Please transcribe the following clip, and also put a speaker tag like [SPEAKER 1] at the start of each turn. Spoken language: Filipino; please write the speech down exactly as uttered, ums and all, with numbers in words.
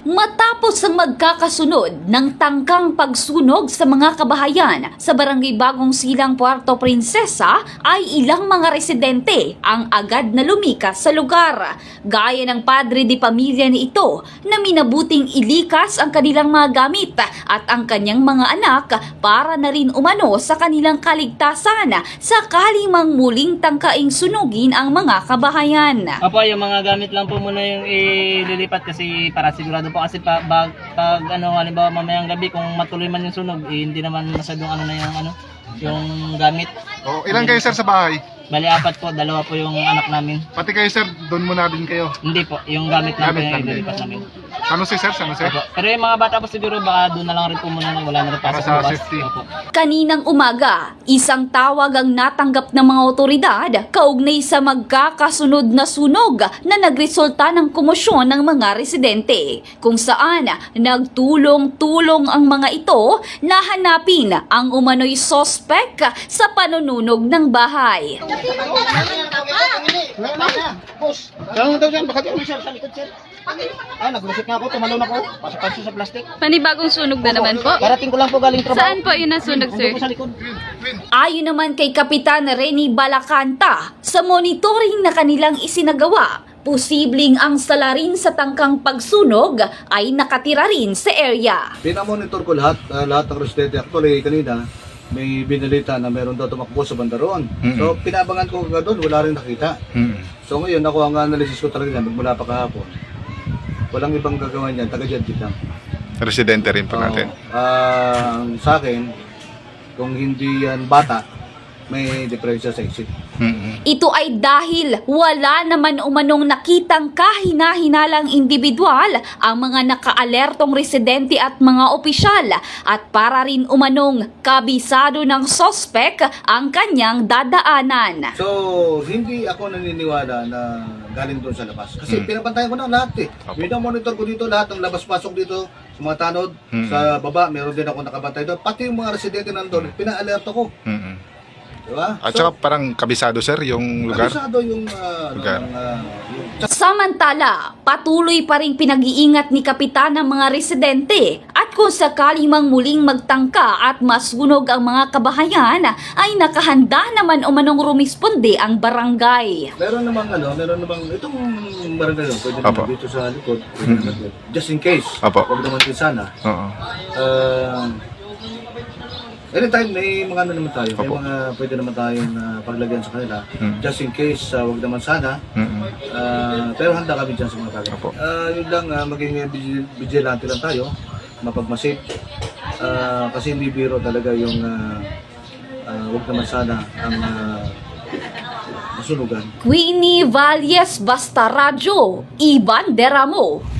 [SPEAKER 1] Matapos ang magkakasunod ng tangkang pagsunog sa mga kabahayan sa Barangay Bagong Silang, Puerto Princesa, ay ilang mga residente ang agad na lumikas sa lugar. Gaya ng padre de pamilya ni ito na minabuting ilikas ang kanilang mga gamit at ang kanyang mga anak para na rin umano sa kanilang kaligtasan sakaling mang muling tangkaing sunugin ang mga kabahayan.
[SPEAKER 2] Opo, yung mga gamit lang po muna yung ililipat kasi para sigurado po kasi pa, bag, pag ano, halimbawa mamayang gabi kung matuloy man yung sunog, eh, hindi naman masyadong ano na yung ano, yung gamit.
[SPEAKER 3] Oh, ilan kayo sir sa bahay?
[SPEAKER 2] Bali apat po, dalawa po yung anak namin.
[SPEAKER 3] Pati kayo sir, doon muna din kayo.
[SPEAKER 2] Hindi po, yung gamit namin
[SPEAKER 3] Gamit
[SPEAKER 2] yung
[SPEAKER 3] lang din.
[SPEAKER 2] ililipat namin.
[SPEAKER 3] Ano si sir? Ano sir?
[SPEAKER 2] Opo. Pero yung mga bata po siguro baka doon na lang rin po muna, wala na rin
[SPEAKER 3] Para
[SPEAKER 2] pasok
[SPEAKER 3] sa
[SPEAKER 2] bukas.
[SPEAKER 3] safety.
[SPEAKER 2] Opo.
[SPEAKER 1] Kaninang umaga, isang tawag ang natanggap ng mga otoridad kaugnay sa magkakasunod na sunog na nagresulta ng komosyon ng mga residente, kung saan nagtulong-tulong ang mga ito na hanapin ang umano'y sospek sa panununog ng bahay.
[SPEAKER 4] Saan daw dyan? Baka di sir, sa likod sir. Ah, naglusot nga ako, tumalon ako. Pasok-pasok sa plastic.
[SPEAKER 5] Panibagong sunog na naman po.
[SPEAKER 4] Karating ko lang po galing trabaho.
[SPEAKER 5] Saan po yun nasunog, sir?
[SPEAKER 4] Nandun po sa likod.
[SPEAKER 1] Ayon naman kay Kapitan Rene Balacanta, sa monitoring na kanilang isinagawa, posibleng ang salarin sa tangkang pagsunog ay nakatira rin sa area.
[SPEAKER 6] Pinamonitor ko lahat, uh, lahat ng residente. Actually, kanina, may binalita na meron daw tumakbo sa bandaron.
[SPEAKER 3] Mm-hmm.
[SPEAKER 6] So, pinabangan ko nga doon, wala rin nakita.
[SPEAKER 3] Hmm.
[SPEAKER 6] So, ngayon, ako ang analysis ko talaga yan, mula pa kahapon. Walang ibang gagawin yan, taga-judge lang.
[SPEAKER 3] Residente rin po natin.
[SPEAKER 6] Ah, sa akin, kung hindi yan bata, may diferensya sa isip.
[SPEAKER 3] Hmm.
[SPEAKER 1] Ito ay dahil wala naman umanong nakitang kahina-hinalang individual ang mga nakaalertong residente at mga opisyal at para rin umanong kabisado ng sospek ang kanyang dadaanan.
[SPEAKER 6] So, hindi ako naniniwala na galing doon sa labas. Kasi
[SPEAKER 3] Hmm.
[SPEAKER 6] pinapantayan ko na lahat eh.
[SPEAKER 3] Opo.
[SPEAKER 6] Monitor ko dito lahat ng labas-pasok dito sa mga tanod.
[SPEAKER 3] Hmm.
[SPEAKER 6] Sa baba, meron din ako nakabantay doon. Pati yung mga residente nandun, pina-alerto ko.
[SPEAKER 3] Hmm.
[SPEAKER 6] Diba?
[SPEAKER 3] At saka parang kabisado sir yung lugar.
[SPEAKER 6] kabisado yung, uh,
[SPEAKER 3] Lugar.
[SPEAKER 6] ng, uh, yung
[SPEAKER 1] Samantala, patuloy pa rin pinag-iingat ni Kapitan ang mga residente at kung sakaling mang muling magtangka at masunog ang mga kabahayan ay nakahanda naman umanong rumisponde ang barangay.
[SPEAKER 6] meron namang ano, meron namang itong barangay yun, pwede
[SPEAKER 3] Opo.
[SPEAKER 6] naman dito sa likod. pwede
[SPEAKER 3] Hmm.
[SPEAKER 6] naman, just in case.
[SPEAKER 3] Opo.
[SPEAKER 6] Huwag naman din sana.
[SPEAKER 3] Oo.
[SPEAKER 6] Uh, anytime may mga ano naman tayo, may
[SPEAKER 3] Opo.
[SPEAKER 6] mga pwede naman tayong uh, paglagyan sa kanila.
[SPEAKER 3] Hmm.
[SPEAKER 6] Just in case, uh, wag naman sana.
[SPEAKER 3] Hmm.
[SPEAKER 6] Uh, pero handa kami dyan sa mga bagay.
[SPEAKER 3] Opo.
[SPEAKER 6] Uh, yun lang, uh, maging uh, vigil- vigilante lang tayo, mapagmasid. Uh, kasi hindi biro talaga yung uh, uh, wag naman sana ang uh, masunugan.
[SPEAKER 1] Queenie Valles, Basta Radyo, Ivan Deramo.